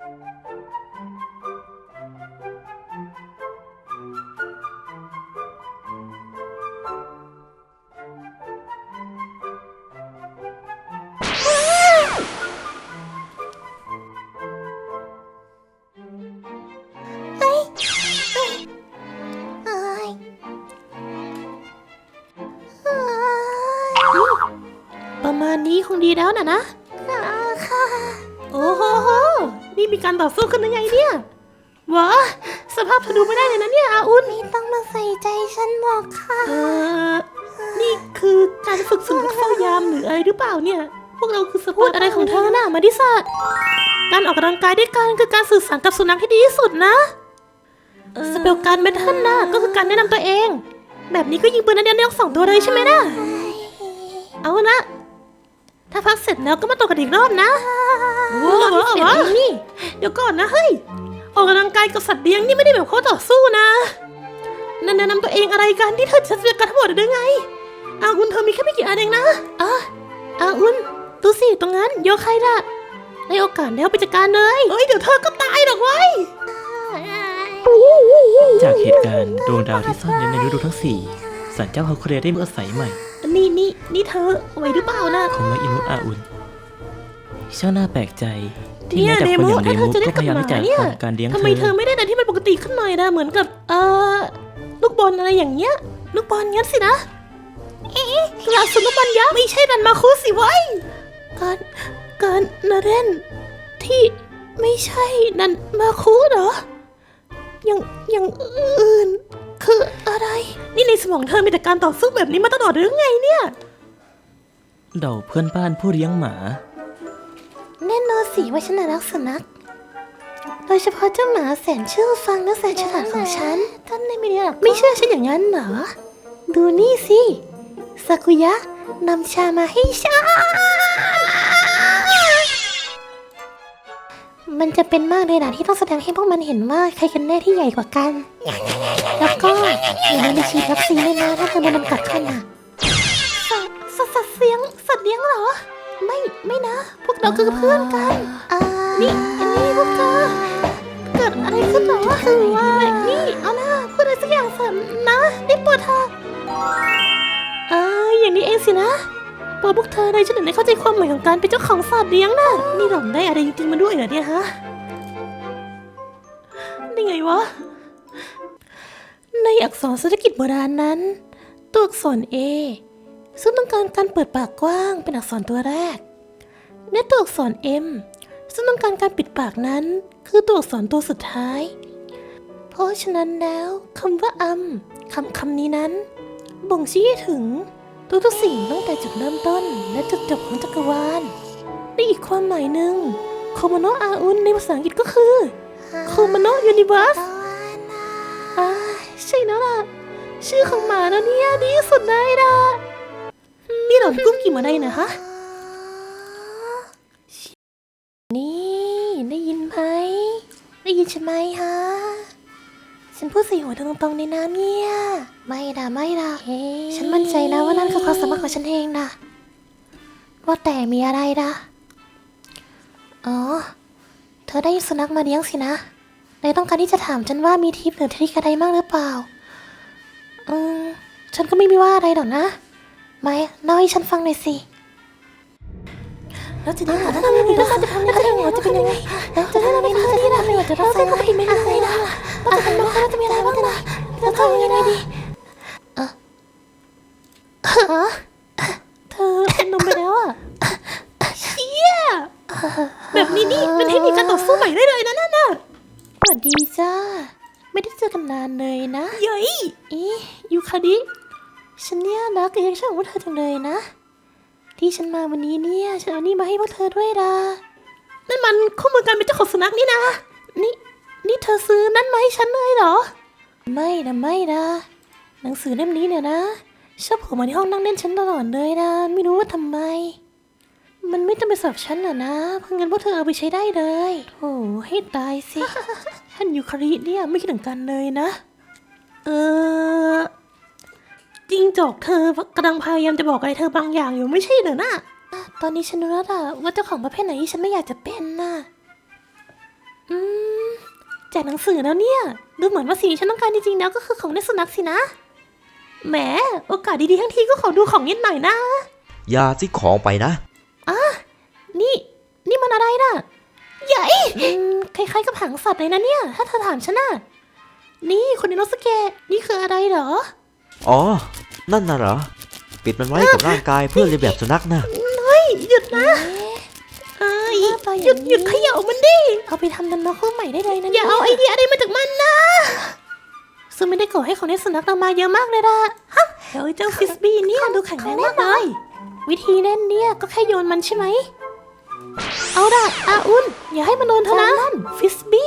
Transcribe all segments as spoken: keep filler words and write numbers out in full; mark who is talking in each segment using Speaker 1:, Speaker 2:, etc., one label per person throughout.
Speaker 1: ประมาณนี้คงดีแล้วนะนะค่ะโอ้โหนี่มีการต่อสู้กันยังไงเนี่ยวะสภาพเธอดูไม่ได้เลยนะเนี่ยอาอุนไม่ต้องมาใส่ใจฉันหรอกค่ะเออนี่คือการฝึกสุนัขเฝ้ายามหรืออะไรหรือเปล่าเนี่ยพวกเราคือสปอร์ตอะไรของเธอน่ะมาดิสัตการออกกำลังกายด้วยกันคือการสื่อสารกับสุนัขที่ดีที่สุดนะสเปลการเมทัลน่ะก็คือการแนะนำตัวเองแบบนี้ก็ยิงปืนนัดเดียวได้สองตัวเลยใช่ไหมนะเอาละถ้าพักเสร็จแล้วก็มาต่อกันอีกรอบนะว้าวว้าวนี่เดี๋ยวก่อนนะเฮ้ยออกกำลังกายกับสัตว์เลี้ยงนี่ไม่ได้แบบเขาต่อสู้นะนั่นแนะนำตัวเองอะไรกันที่เธอจะเสียกันทั้งหมดได้ไงอาอุนเธอมีแค่ไม่กี่อันเองนะอ่ะอาอุนดูสิตรงนั้นโยใครล่ะได้โอกาสแล้วไปจัดการเลยเฮ้ยเดี๋ยวเธอก็ตายหรอกเว้ย
Speaker 2: จากเหตุการณ์ดวงดาวที่ซ่อนอยู่ในฤดูทั้งสี่ศาลเจ้าฮาคุเรได้อาศัยใหม่
Speaker 1: นี่นี่นี่เธอไหวหรือเปล่านะ
Speaker 2: ของมาอินุอาอุนช่างน่าแปลกใจที่แม้แต่คนอย่างเดมุก็พยายามที่จะทำการเลี้ยงเธอ
Speaker 1: ทำไมเธอไม่ได้แต่ที่มันปกติขึ้นหน่อยนะเหมือนกับเอ่อลูกบอลอะไรอย่างเงี้ยลูกบอลงั้นสินะเอ๊ะกระสุนลูกบอลยักษ์ไม่ใช่ดันมาคุสิไว้การการนาเรนที่ไม่ใช่ดันมาคุเหรอยังยังอื่นคืออะไรนี่ในสมองเธอมีแต่การต่อสู้แบบนี้มาตลอดหรือไงเนี่ย
Speaker 2: เดาเพื่อนบ้านผู้เลี้ยงหมา
Speaker 1: แน่นอนสิว่าฉันรักสุนัขโดยเฉพาะเจ้าหมาแสนเชื่อฟังและแสนฉลาดของฉันท่านไม่ได้หรอกไม่เชื่อฉันอย่างนั้นเหรอดูนี่สิซากุยะนำชามาให้ฉันมันจะเป็นมากเลยนะที่ต้องแสดงให้พวกมันเห็นว่าใครกันแน่ที่ใหญ่กว่ากันแล้วก็อย่าลืมไปฉีดวัคซีนด้วยนะถ้าเธอโดนมันกัดขึ้นอ่ะสัตว์สัตว์เลี้ยงสัตว์เลี้ยงเหรอไม่ไม่นะพวกเราคือเพื่อนกันนี่อันนี้พวกเธอเกิดอะไรขึ้นหรอคือว่านี่เอานะพูดอะไรสักอย่างสันนะได้โปรดเธอเอออย่างนี้เองสินะโปรดพวกเธอเลยฉันถึงได้เข้าใจความหมายของการเป็นเจ้าของสัตว์เลี้ยงน่ะนี่หล่อนได้อะไรจริงๆมาด้วยเหรอเนี่ยฮะนี่ไงวะในอักษรเศรษฐกิจโบราณนั้นตัวอักษร A ซึ่งต้องการการเปิดปากกว้างเป็นอักษรตัวแรกและตัวอักษร M ซึ่งต้องการการปิดปากนั้นคือตัวอักษรตัวสุดท้ายเพราะฉะนั้นแล้วคำว่าอัมคำคำนี้นั้นบ่งชี้ถึงทุกทุกสิ่งตั้งแต่จุดเริ่มต้นและจุดจบของจักรวาลในอีกความหมายหนึ่งโคโมโนะอาอุนในภาษาอังกฤษก็คือโคโมโนะยูนิเวิร์สอ่าใช่แล้วล่ะชื่อของหมาแล้วเนี่ยดีสุดเลยล่ะนี่หล่อนกุ้มกี่มาได้นะฮะนี่ได้ยินไหมได้ยินใช่ไหมฮะฉันพูดใส่หัวตรงๆในน้ำเนี่ยไม่ด่าไม่ด่าฉันมั่นใจนะว่านั่นคือความสามารถของฉันเองนะว่าแต่มีอะไรด่ะอ๋อเธอได้สุนัขมาเลี้ยงสินะเลยต้องการที่จะถามฉันว่ามีทิปหรือทริคอะไรบ้างหรือเปล่าอืมฉันก็ไม่มีว่าอะไรหรอกนะไม่เล่าให้ฉันฟังหน่อยสิแล้วจะได้หาทำยังไงแล้วจะทำยังไงจะเป็นยังไงแล้วจะได้ทำยังไงจะได้ทำยังไงจะได้ทำยังไงไม่ได้เลยนะว่าจะทำยังไงจะมีอะไรบ้างนะจะทำยังไงดีเออฮะเธอเป็นนมไปแล้วอ่ะเชี่ยแบบนี้นี่เป็นเทคนิคการต่อสู้ใหม่ได้เลยนะนั่นน่ะสวัสดีจ้าไม่ได้เจอกันนานเลยนะเย้ยอียูคาดิฉันเนี่ยรักกับยังช่างของเธอจังเลยนะที่ฉันมาวันนี้เนี่ยฉันเอานี่มาให้พวกเธอด้วยล่ะนั่นมันข้อมูลการเป็นเจ้าของสุนัขนี่นะนี่นี่เธอซื้อนั่นมาให้ฉันเลยเหรอไม่นะไม่นะหนังสือเล่มนี้เนี่ยนะชอบโผล่มาที่ห้องนั่งเล่นฉันตลอดเลยนะไม่รู้ว่าทำไมมันไม่จำเป็นสำหรับฉันน่ะนะเพราะงั้นพวกเธอเอาไปใช้ได้เลยโอ้ให้ตายสิ ท่านยูคาริเนี่ยไม่คิดถึงกันเลยนะเออจริงจอกเธอกำลังพยายามจะบอกอะไรเธอบางอย่างอยู่ไม่ใช่เหรอนะตอนนี้ฉันรู้แล้วล่ะว่าเจ้าของประเภทไหนที่ฉันไม่อยากจะเป็นน่ะจากหนังสือแล้วเนี่ยดูเหมือนว่าสิ่งที่ฉันต้องการจริงๆแล้วก็คือของในสุนัขสินะแหมโอกาสดีๆทั้งทีก็ขอดูของนิดหน่อยนะ
Speaker 3: อย่าซิของไปนะ
Speaker 1: นี่นี่มันอะไรน่ะใหญ่คล้ายๆกับหางสัตว์เลยนะเนี่ยถ้าเธอถามฉันน่ะนี่คุณอิโนสเกะนี่คืออะไรเหรอ
Speaker 3: อ๋อ นั่นน่ะเหรอ ปิดมันไว้กับร่างกายเพื่อเลียนแบบสุนัขนะ
Speaker 1: เฮ้ยหยุดนะเอ้ยหยุดหยุดเขย่ามันดิเอาไปทำดันมาคู่ใหม่ได้เลยนะอย่าเอาไอเดียอะไรมาจากมันนะซึ่งไม่ได้ก่อให้ของในสุนัขเรามาเยอะมากเลยล่ะฮะเดี๋ยวเจ้าฟิสบี้เนี่ยดูแข็งแรงมากเลยวิธีเล่นเนี่ยก็แค่โยนมันใช่ไหมเอาล่ะอาอุนอย่าให้มันโดนเธอนะฟิสบี้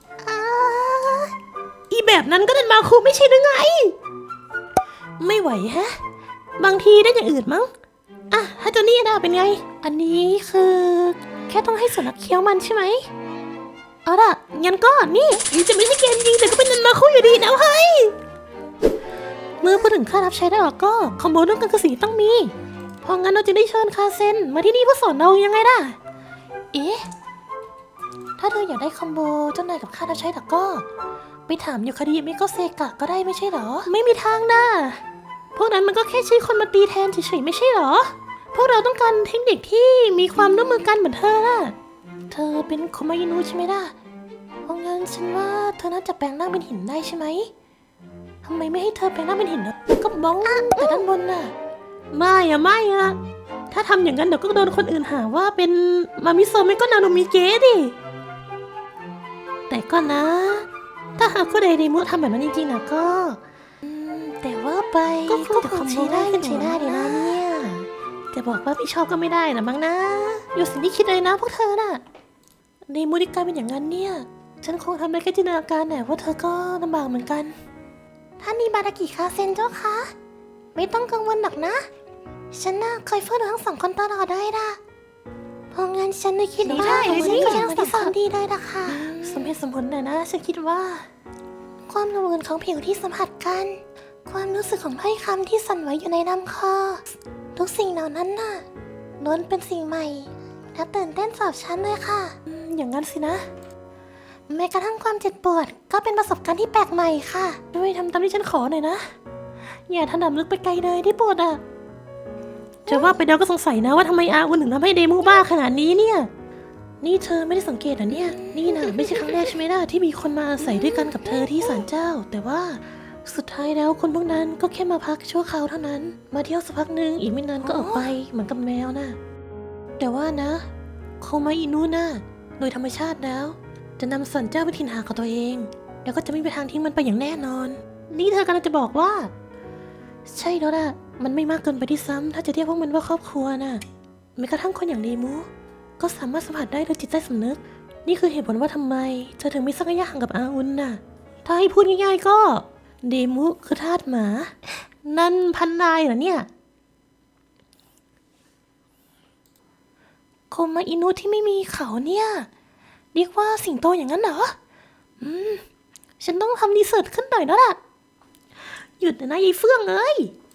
Speaker 1: อีแบบนั้นก็ดันมาคู่ไม่ใช่หรือไงไม่ไหวฮะบางทีได้อย่างอื่นมั้งอ่ะถ้าเจ้านี่น่าเป็นไงอันนี้คือแค่ต้องให้สุนัขเคี้ยวมันใช่ไหมเอาล่ะงั้นก็นี่นี่จะไม่ใช่เกมยิงแต่ก็เป็นนันมาคู่อยู่ดีนะเฮ้ยเมื่อพูดถึงค่ารับใช้ได้หรอก็คอมโบเรื่องการกระสีต้องมีเพราะงั้นเราจะได้เชิญคาเซนมาที่นี่เพื่อสอนเรายังไงล่ะเอ๊ะถ้าเธออยากได้คอมโบเจ้านายกับค่ารับใช้หรอก็ไปถามยูคาริมิโกเซกะก็ได้ไม่ใช่หรอไม่มีทางนะพวกนั้นมันก็แค่ใช้คนมาตีแทนเฉยๆไม่ใช่หรอพวกเราต้องการเทคนิคที่มีความร่วมมือกันเหมือนเธอน่ะเธอเป็นโคมายินุใช่ไหมล่ะเพราะงั้นฉันว่าเธอน่าจะแปลงร่างเป็นหินได้ใช่ไหมทำไมไม่ให้เธอแปลงร่างเป็นหินนะก็บ้องแต่ด้านบนน่ะไม่อะไม่อะถ้าทำอย่างนั้นเดี๋ยวก็โดนคนอื่นหาว่าเป็นมามิโซะไม่ก็นาโนมิเกะดิแต่ก็นะถ้าหากคุณไดเดมุทำแบบนั้นจริงๆนะก็แต่ว่าไปก็คงจะคอมโบได้กันใช้ได้ดีนะเนี่ยจะบอกว่าพี่ชอบก็ไม่ได้นะมั้งนะอยู่สิ่งที่คิดเลยนะพวกเธอน่ะในมูดิกาเป็นอย่างนั้นเนี่ยฉันคงทำได้แค่จินตนาการแหละว่าเธอก็ลำบากเหมือนกันท่านมีบารากิคาเซนเจ้าคะไม่ต้องกังวลหรอกนะฉันน่ะคอยเฝ้าดูทั้งสองคนตลอดได้ล่ะเพราะงั้นฉันเลยคิดว่าผมจะได้ทั้งสองคนดีได้ละค่ะสมเหตุสมผลนะนะฉันคิดว่าความละมุนของผิวที่สัมผัสกันความรู้สึกของถ้อยคำที่สั่นไหวอยู่ในลำคอทุกสิ่งเหล่านั้นน่ะล้วนเป็นสิ่งใหม่และตื่นเต้นสำหรับฉันเลยค่ะอย่างนั้นสินะแม้กระทั่งความเจ็บปวดก็เป็นประสบการณ์ที่แปลกใหม่ค่ะด้วยทำตามที่ฉันขอหน่อยนะอย่าถลำลึกไปไกลเลยที่ปวดอ่ะจะว่าไปเดาก็สงสัยนะว่าทำไมอาอุนถึงทำให้เดมูบ้าขนาดนี้เนี่ยนี่เธอไม่ได้สังเกตเหรอเนี่ยนี่นะไม่ใช่ครั้งแรกใช่ไหมล่ะที่มีคนมาอาศัยด้วยกันกับเธอที่ศาลเจ้าแต่ว่าสุดท้ายแล้วคนพวกนั้นก็แค่มาพักชั่วคราวเท่านั้นมาเที่ยวสักพักหนึ่งอีกไม่นานก็ออกไปเหมือนกับแมวนะแต่ว่านะโคมาอินุนะโดยธรรมชาติแล้วจะนำสันเจ้าไปถิ่นหาของตัวเองแล้วก็จะไม่มีทางทิ้งมันไปอย่างแน่นอนนี่เธอกำลังจะบอกว่าใช่แล้วล่ะมันไม่มากเกินไปที่ซ้ำถ้าจะเรียกพวกมันว่าครอบครัวน่ะแม้กระทั่งคนอย่างเดมูก็สามารถสัมผัสได้โดยจิตใต้สำนึกนี่คือเหตุผลว่าทำไมเธอถึงไม่สักระยะห่างกับอาอุนน่ะถ้าให้พูดง่ายๆก็เดมุคือทาสหมานั่นพันนายเหรอเนี่ยโคมาอินุที่ไม่มีเขาเนี่ยเรียกว่าสิงโตอย่างนั้นเหรออืมฉันต้องทำรีเสิร์ชขึ้นหน่อยแล้วล่ะหยุดนะยายเฟื่องเอ้ย